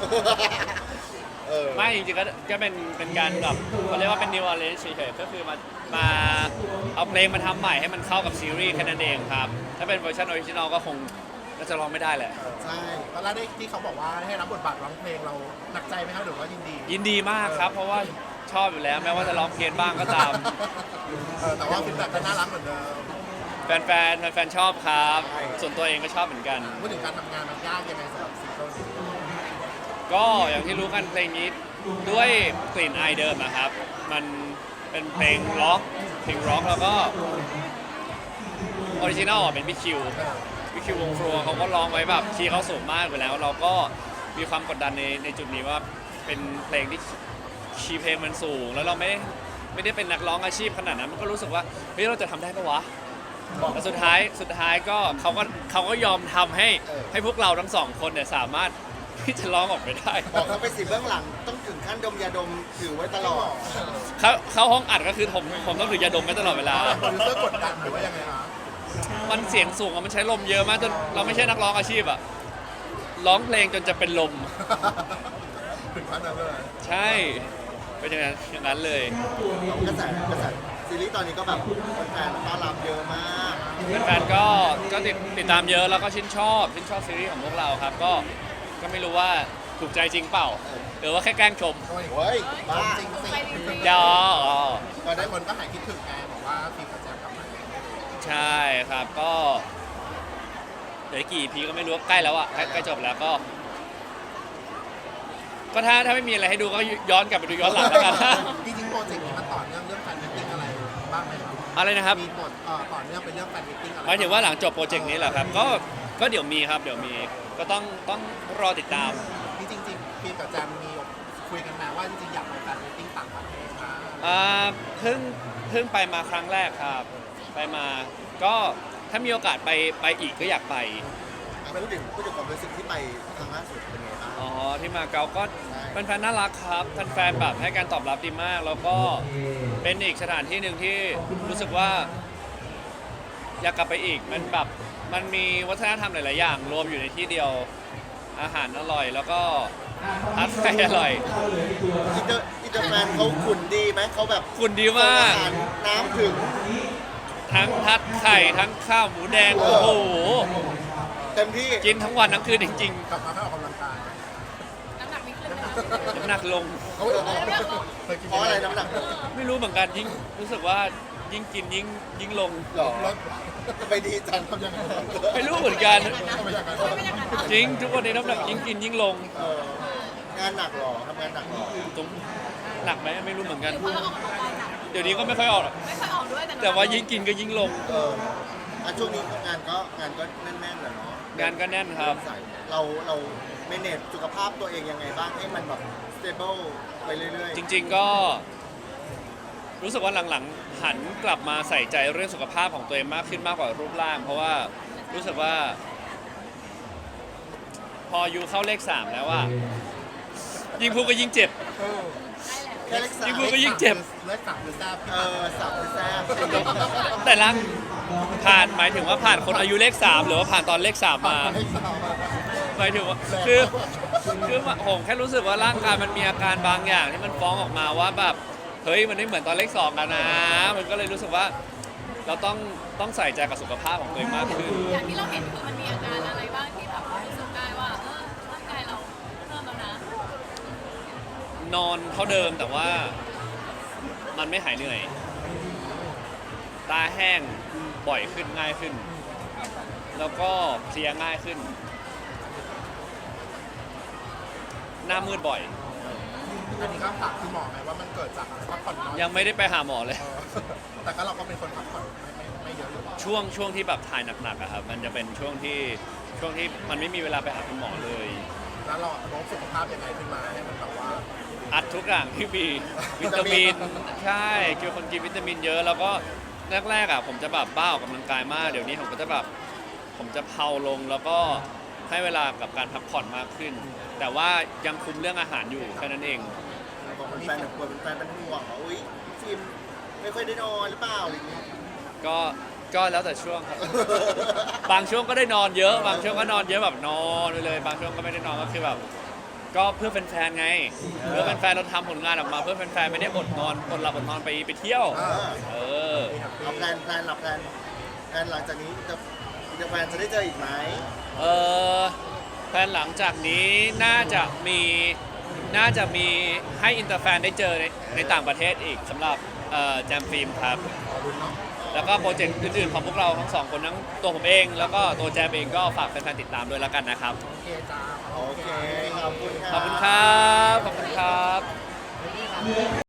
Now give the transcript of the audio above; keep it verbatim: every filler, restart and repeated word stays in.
ไม่จริงๆก็ก็เป็นเป็นการแบบเขาเรียกว่าเป็น new arrange เฉยๆก็คือมามาเอาเพลงมาทำใหม่ให้มันเข้ากับซีรีส์แค่นั้นเองครับถ้าเป็นเวอร์ชันออริจินอลก็คงก็จะร้องไม่ได้แหละใช่ตอนแรกที่เขาบอกว่าให้รับบทบาทร้องเพลงเราหนักใจไหมครับหรือว่ายินดียินดีมากครับ เพราะว่าชอบอยู่แล้วแม้ว่าจะร้องเพี้ยนบ้างก็ตามเออแต่ว่าฟีดแบ็กก็น่ารักเหมือนเดิมแฟนๆแฟนๆชอบครับ ส่วนตัวเองก็ชอบเหมือนกันพูดถึงการทำงานมันยากยังไงสำหรับซิงเกิลนี้ก็อย่างที่รู้กันเพลงนี้ด้วยกลิ่นอายเดิมนะครับ มันเป็นเพลงร็อกเพลงร็อกแล้วก็ออริจินัลเป็นพี่คิวพี่คิววงฟลัวเขาก็ร้องไว้แบบคีย์เขาสูงมากอยู่แล้ว เราก็มีความกดดันในในจุดนี้ว่าเป็นเพลงที่คีย์เพลงมันสูง แล้วเราไม่ไม่ได้เป็นนักร้องอาชีพขนาดนั้นมันก็รู้สึกว่าเฮ้ยเราจะทำได้ปะวะแต่สุดท้ายสุดท้ายก็เขาก็เขาก็ยอมทำให้ให้พวกเราทั้งสองคนเนี่ยสามารถที่จะร้องออกไปได้บอกเขาไปสิเบื้องหลังต้องถึงขั้นดมยาดมถือไว้ตลอดเขาเข้าห้องอัดก็คือผมผมต้องถือยาดมไว้ตลอดเวลาโปรดิวเซอร์กดดันหรือว่ายังไงคะมันเสียงสูงอะมันใช้ลมเยอะมากจนเราไม่ใช่นักร้องอาชีพอะร้องเพลงจนจะเป็นลมถึงขั้นนั้นเลยใช่เป็นอย่างนั้นอย่างนั้นเลยกระแสกระแสซีรีส์ตอนนี้ก็แบบแฟนๆต้อนรับเยอะมากแฟนๆก็ก็ติดติดตามเยอะแล้วก็ชื่นชอบชื่นชอบซีรีส์ของพวกเราครับก็ก็ไม่รู้ว่าถูกใจจริงเปล่าหรือว่าแค่แกล้งชมเฮ้ยบ้าจริงสิยออ๋อตอนได้คนก็หายคิดถึงไงบอกว่าฟิล์มกับแจมกลับมาใช่ครับก็เดี๋ยวกี่พีก็ไม่รู้ใกล้แล้วอะใกล้ใกล้จบแล้วก็ ก็ถ้าถ้าไม่มีอะไรให้ดูก็ย้อนกลับไปดูย้อนหลังแล้วกันจริงๆโปรเจกต์นี้มันต่อเนื่องเรื่องแฟนมิตติ้งอะไรบ้างไหมครับอะไรนะครับมีบทเอ่อต่อเนื่องเป็นเรื่องแฟนมิตติ้งอะไรหมายถึงว่าหลังจบโปรเจกต์นี้เหรอครับก็ก็เดี๋ยวมีครับเดี๋ยวมีก็ต้องต้องรอติดตามที่จริงๆฟิล์มกับแจมมีคุยกันมาว่าจริงๆอยากไปแฟนมิตติ้งต่างประเทศนะอ่าเพิ่งเพิ่งไปมาครั้งแรกครับไปมาก็ถ้ามีโอกาสไปไปอีกก็อยากไปพูดถึงพูดถึงความรู้สึกที่ไปครั้งล่าสุดเป็นไงบ้างอ๋อที่มาเก๊าก็แฟนๆน่ารักครับแฟนๆแบบให้การตอบรับดีมาก แล้วก็เป็นอีกสถานที่หนึ่งที่รู้สึกว่า อยากกลับไปอีกมันแบบมันมีวัฒนธรรมหลายๆอย่างรวมอยู่ในที่เดียวอาหารอร่อย แล้วก็ทัดไฟอร่อยอินเตอร์อินเตอร์แฟนเขาขุนดีไหมเขาแบบคุณดีมากอาหารน้ำถึงทั้งทัดไข่ทั้งข้าวหมูแดงโอ้โหเต็มที่กินทั้งวันทั้งคืนจริงกลับมาให้ออกกำลังกายน้ำหนักไม่ขึ้นเลยๆน้ำหนักลงเขาบอกว่าเคยกินเพราะอะไรน้ำหนักไม่รู้เหมือนกันยิ่งรู้สึกว่ายิ่งกินยิ่งยิ่งลงหรอลดไปดีจังทำยังไงไม่รู้เหมือนกันทำยังไงไม่อย่างนั้นจริงทุกวันนี้น้ำหนักยิ่งกินยิ่งลงเอองานหนักหรอทำงานหนักหรอตรงหนักไหมไม่รู้เหมือนกันเพราะเราออกกำลังกายหนักเดี๋ยวนี้ก็ไม่ค่อยออกหรอกไม่ค่อยออกด้วยแต่แต่ว่ายิ่งกินก็ยิ่งลงเอออ่ะช่วงนี้งานก็งานก็แน่นๆแหละเนาะงานก็แน่นครับสายเราเราเมเนจสุขภาพตัวเองยังไงบ้างให้มันแบบ stable ไปเรื่อยๆจริงๆก็รู้สึกว่าหลังๆหันกลับมาใส่ใจเรื่องสุขภาพของตัวเองมากขึ้นมากกว่ารูปร่าง เพราะว่ารู้สึกว่า พออายูเข้าเลขสามแล้วว่ายิ่งพูดก็ยิ่งเจ็บเออแค่เล็กสามยิ่งพูดก็ยิ่งเจ็บเลิกสับหรือแซ่บเออสับแซ่บแต่ละผ่านหมายถึงว่าผ่านคนอายุเลขสามหรือว่าผ่านตอนเลขสามมาเลิกสับหมายถึงว่าคือคือผมแค่รู้สึกว่าร่างกายมันมีอาการบางอย่างที่มันฟ้องออกมาว่าแบบเฮ้ยมันไม่เหมือนตอนเลขสองกันนะ มันก็เลยรู้สึกว่าเราต้องต้องใส่ใจกับสุขภาพของตัวเองมากขึ้นอย่างที่เราเห็นคือมันมีอาการอะไรบ้างที่แบบรู้สึกได้ว่าเออร่างกายเราเพิ่มแล้วนะนอนเท่าเดิมแต่ว่ามันไม่หายเหนื่อย ตาแห้งบ่อยขึ้นง่ายขึ้น แล้วก็เพลียง่ายขึ้น หน้ามืดบ่อยอันนี้ก็ถามคุณหมอไหมว่ามันเกิดจากอะไรพักผ่อนน้อยยังไม่ได้ไปหาหมอเลยเออแต่ก็เราก็เป็นคนพักผ่อนไม่ไม่ไม่เยอะอยู่แล้วช่วงช่วงที่แบบถ่ายหนักๆอะครับมันจะเป็นช่วงที่ช่วงที่มันไม่มีเวลาไปหาคุณหมอเลยแล้วเราโน้มสุขภาพยังไงขึ้นมาให้มันแบบว่าอัดทุกอย่างที่มีวิตามินใช่คือคนกินวิตามินเยอะแล้วก็แรกๆอ่ะผมจะแบบบ้าออกกำลังกายมากเดี๋ยวนี้ผมก็จะแบบผมจะเพาลงแล้วก็ให้เวลากับการพักผ่อนมากขึ้น แต่ว่ายังคุมเรื่องอาหารอยู่แค่นั้นเองบอกเป็นแฟนแบบกลัวเป็นแฟนเป็นห่วงว่าอุ้ยฟิล์มไม่ค่อยได้นอนหรือเปล่าอะไรอย่างเงี้ยก็ก็แล้วแต่ช่วงครับ บางช่วงก็ได้นอนเยอะ บางช่วงก็นอนเยอะแบบนอนไปเลย บางช่วงก็ไม่ได้นอนก็คือแบบก็เพื่อแฟนๆไงเพื่อแฟนๆเราทำผลงานออกมาเพื่อแฟนๆไม่ได้อดนอนอดหลับอดนอนไปไปเที่ยวเออเออเอาแพลนแพลนหลับแพลนแพลนหลังจากนี้จะจะแฟนจะได้เจออีกไหมเออแฟนหลังจากนี้น่าจะมีน่าจะมีให้อินเตอร์แฟนได้เจอในในต่างประเทศอีกสำหรับเอ่อแจมฟิล์มครับ แล้วก็โปรเจกต์อื่นๆของพวกเราทั้งสองคนทั้งตัวผมเอง แล้วก็ตัวแจมเองก็ฝากแฟนๆติดตามด้วยแล้วกันนะครับโอเคจ้าโอเค ขอบคุณขอบคุณครับ ขอบคุณครับ